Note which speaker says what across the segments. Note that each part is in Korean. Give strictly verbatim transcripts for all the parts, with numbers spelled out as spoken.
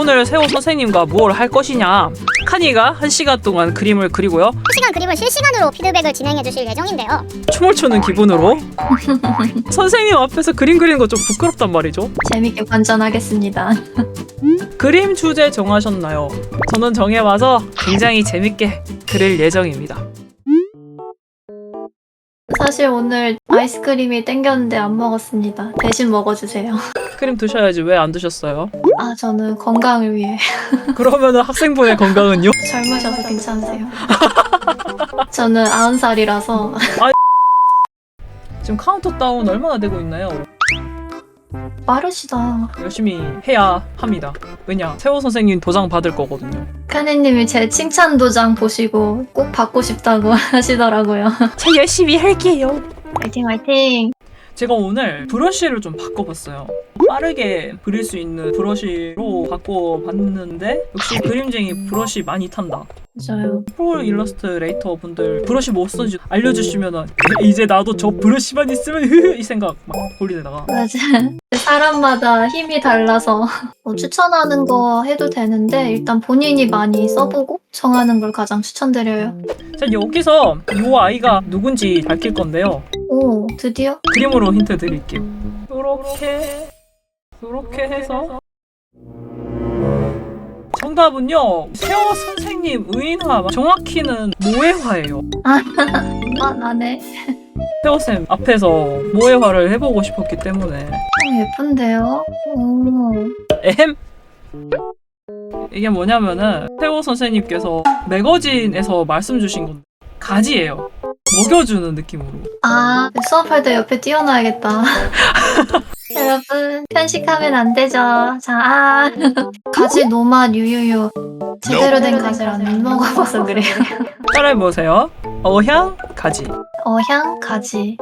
Speaker 1: 오늘 세호 선생님과 무엇을 할 것이냐. 카니가 한 시간 동안 그림을 그리고요.
Speaker 2: 한 시간 그림을 실시간으로 피드백을 진행해 주실 예정인데요.
Speaker 1: 춤을 추는 기분으로 선생님 앞에서 그림 그리는 거 좀 부끄럽단 말이죠.
Speaker 3: 재밌게 관전하겠습니다.
Speaker 1: 그림 주제 정하셨나요? 저는 정해와서 굉장히 재밌게 그릴 예정입니다.
Speaker 3: 사실 오늘 아이스크림이 땡겼는데 안 먹었습니다. 대신 먹어주세요.
Speaker 1: 그림 드셔야지 왜 안 드셨어요?
Speaker 3: 아, 저는 건강을 위해.
Speaker 1: 그러면은 학생분의 건강은요?
Speaker 3: 젊으셔서 괜찮으세요. 저는 아흔 살이라서.
Speaker 1: 지금 카운트다운 얼마나 되고 있나요?
Speaker 3: 빠르시다.
Speaker 1: 열심히 해야 합니다. 왜냐? 세호 선생님 도장 받을 거거든요.
Speaker 3: 카니님이 제 칭찬 도장 보시고 꼭 받고 싶다고 하시더라고요.
Speaker 1: 저 열심히 할게요.
Speaker 3: 화이팅 화이팅.
Speaker 1: 제가 오늘 브러쉬를 좀 바꿔봤어요. 빠르게 그릴 수 있는 브러쉬로 바꿔봤는데 역시 그림쟁이 브러쉬 많이 탄다.
Speaker 3: 맞아요.
Speaker 1: 프로 일러스트레이터 분들 브러쉬 뭐 쓰는지 알려주시면은 이제 나도 저 브러쉬만 있으면 흐흐 이 생각 막 돌리다가
Speaker 3: 맞아. 사람마다 힘이 달라서 뭐 추천하는 거 해도 되는데 일단 본인이 많이 써보고 정하는 걸 가장 추천드려요.
Speaker 1: 자, 여기서 이 아이가 누군지 밝힐 건데요.
Speaker 3: 오, 드디어?
Speaker 1: 그림으로 힌트 드릴게요. 요렇게 요렇게 해서 정답은요 세호 선생님 의인화, 정확히는 모해화예요.
Speaker 3: 아, 나네.
Speaker 1: 세호쌤 앞에서 모해화를 해보고 싶었기 때문에.
Speaker 3: 어, 예쁜데요? 오.
Speaker 1: 에헴. 이게 뭐냐면은 세호 선생님께서 매거진에서 말씀 주신 건 가지예요. 먹여주는 느낌으로.
Speaker 3: 아, 수업할 때 옆에 띄워놔야겠다. 여러분, 편식하면 안 되죠. 자, 아. 가지 노맛 유유유. 제대로 된 가지를 안 먹어봐서 그래요.
Speaker 1: 따라해보세요. 어향 가지.
Speaker 3: 어향 가지.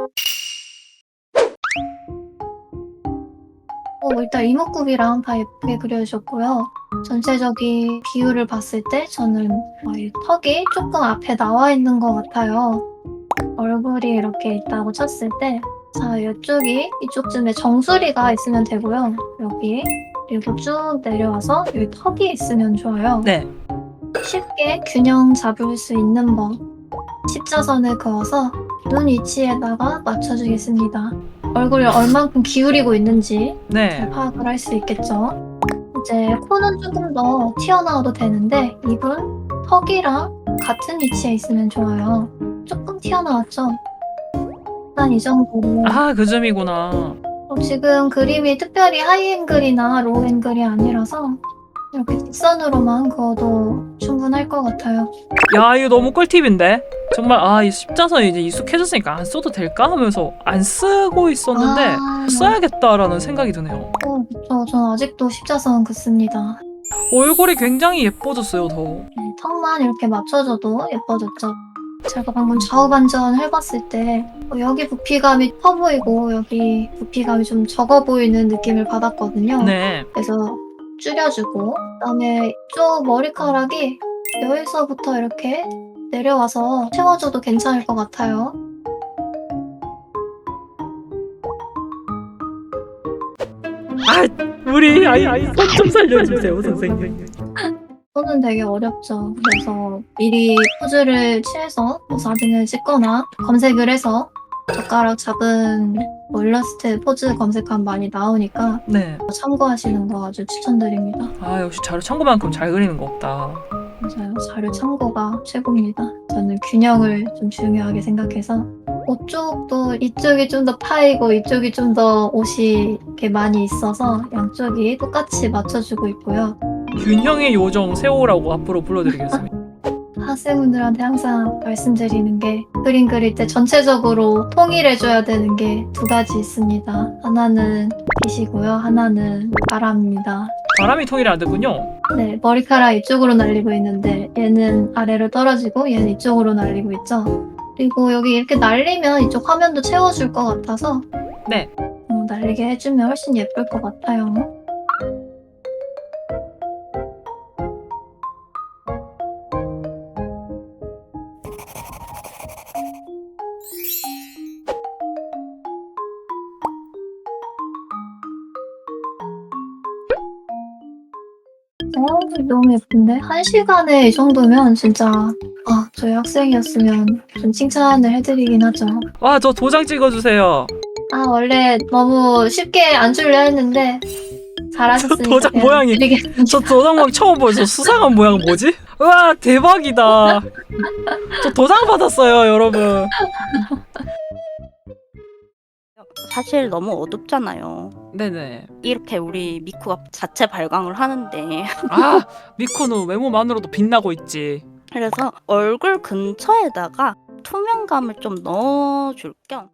Speaker 3: 어, 일단 이목구비랑 다 예쁘게 그려주셨고요. 전체적인 비율을 봤을 때 저는 어, 이 턱이 조금 앞에 나와 있는 것 같아요. 얼굴이 이렇게 있다고 쳤을 때, 자, 이쪽이 이쪽쯤에 정수리가 있으면 되고요. 여기 그리고 쭉 내려와서 여기 턱이 있으면 좋아요.
Speaker 1: 네.
Speaker 3: 쉽게 균형 잡을 수 있는 법. 십자선을 그어서 눈 위치에다가 맞춰주겠습니다. 얼굴을 얼만큼 기울이고 있는지
Speaker 1: 네.
Speaker 3: 잘 파악을 할 수 있겠죠. 이제 코는 조금 더 튀어나와도 되는데 입은 턱이랑 같은 위치에 있으면 좋아요. 조금 튀어나왔죠? 한 이 정도로.
Speaker 1: 아, 그 점이구나.
Speaker 3: 어, 지금 그림이 특별히 하이앵글이나 로우앵글이 아니라서 이렇게 직선으로만 그어도 충분할 것 같아요.
Speaker 1: 야, 이거 너무 꿀팁인데? 정말 아, 이 십자선이 이제 익숙해졌으니까 안 써도 될까 하면서 안 쓰고 있었는데
Speaker 3: 아,
Speaker 1: 써야겠다라는 생각이 드네요.
Speaker 3: 어, 그쵸. 전 아직도 십자선 긋습니다.
Speaker 1: 얼굴이 굉장히 예뻐졌어요, 더.
Speaker 3: 네, 턱만 이렇게 맞춰줘도 예뻐졌죠. 제가 방금 좌우 반전 해봤을 때 어, 여기 부피감이 커 보이고 여기 부피감이 좀 적어 보이는 느낌을 받았거든요.
Speaker 1: 네.
Speaker 3: 그래서 줄여주고 그다음에 이쪽 머리카락이 여기서부터 이렇게 내려와서 채워줘도 괜찮을 것 같아요.
Speaker 1: 아, 우리 아이 아이 손 좀 살려주세요, 선생님.
Speaker 3: 손은 되게 어렵죠. 그래서 미리 포즈를 취해서 뭐 사진을 찍거나 검색을 해서 젓가락 잡은 뭐 일러스트 포즈 검색하면 많이 나오니까
Speaker 1: 네.
Speaker 3: 참고하시는 거 아주 추천드립니다.
Speaker 1: 아, 역시 자료 참고만큼 잘 그리는 거 없다.
Speaker 3: 맞아요. 자료 참고가 최고입니다. 저는 균형을 좀 중요하게 생각해서 옷 쪽도 이쪽이 좀 더 파이고 이쪽이 좀 더 옷이 이렇게 많이 있어서 양쪽이 똑같이 맞춰주고 있고요.
Speaker 1: 균형의 요정 세호라고 앞으로 불러드리겠습니다.
Speaker 3: 학생분들한테 항상 말씀드리는 게 그림 그릴 때 전체적으로 통일해줘야 되는 게 두 가지 있습니다. 하나는 빛이고요. 하나는 바람입니다.
Speaker 1: 바람이 통일이 안 되군요.
Speaker 3: 네, 머리카락 이쪽으로 날리고 있는데 얘는 아래로 떨어지고 얘는 이쪽으로 날리고 있죠. 그리고 여기 이렇게 날리면 이쪽 화면도 채워줄 것 같아서
Speaker 1: 네.
Speaker 3: 어, 날리게 해주면 훨씬 예쁠 것 같아요. 어, 너무 예쁜데? 한 시간에 이 정도면 진짜 아, 저희 학생이었으면 좀 칭찬을 해드리긴 하죠.
Speaker 1: 와, 저 도장 찍어주세요.
Speaker 3: 아, 원래 너무 쉽게 안 줄려 했는데 잘하셨으니까
Speaker 1: 저 도장
Speaker 3: 그냥
Speaker 1: 모양이-
Speaker 3: 드리겠습니다.
Speaker 1: 저 도장막 처음 보여. 저 수상한 모양 뭐지? 우와, 대박이다. 저 도장 받았어요, 여러분.
Speaker 4: 사실 너무 어둡잖아요.
Speaker 1: 네네.
Speaker 4: 이렇게 우리 미쿠가 자체 발광을 하는데
Speaker 1: 아, 미코는 외모만으로도 빛나고 있지.
Speaker 4: 그래서 얼굴 근처에다가 투명감을 좀 넣어줄 겸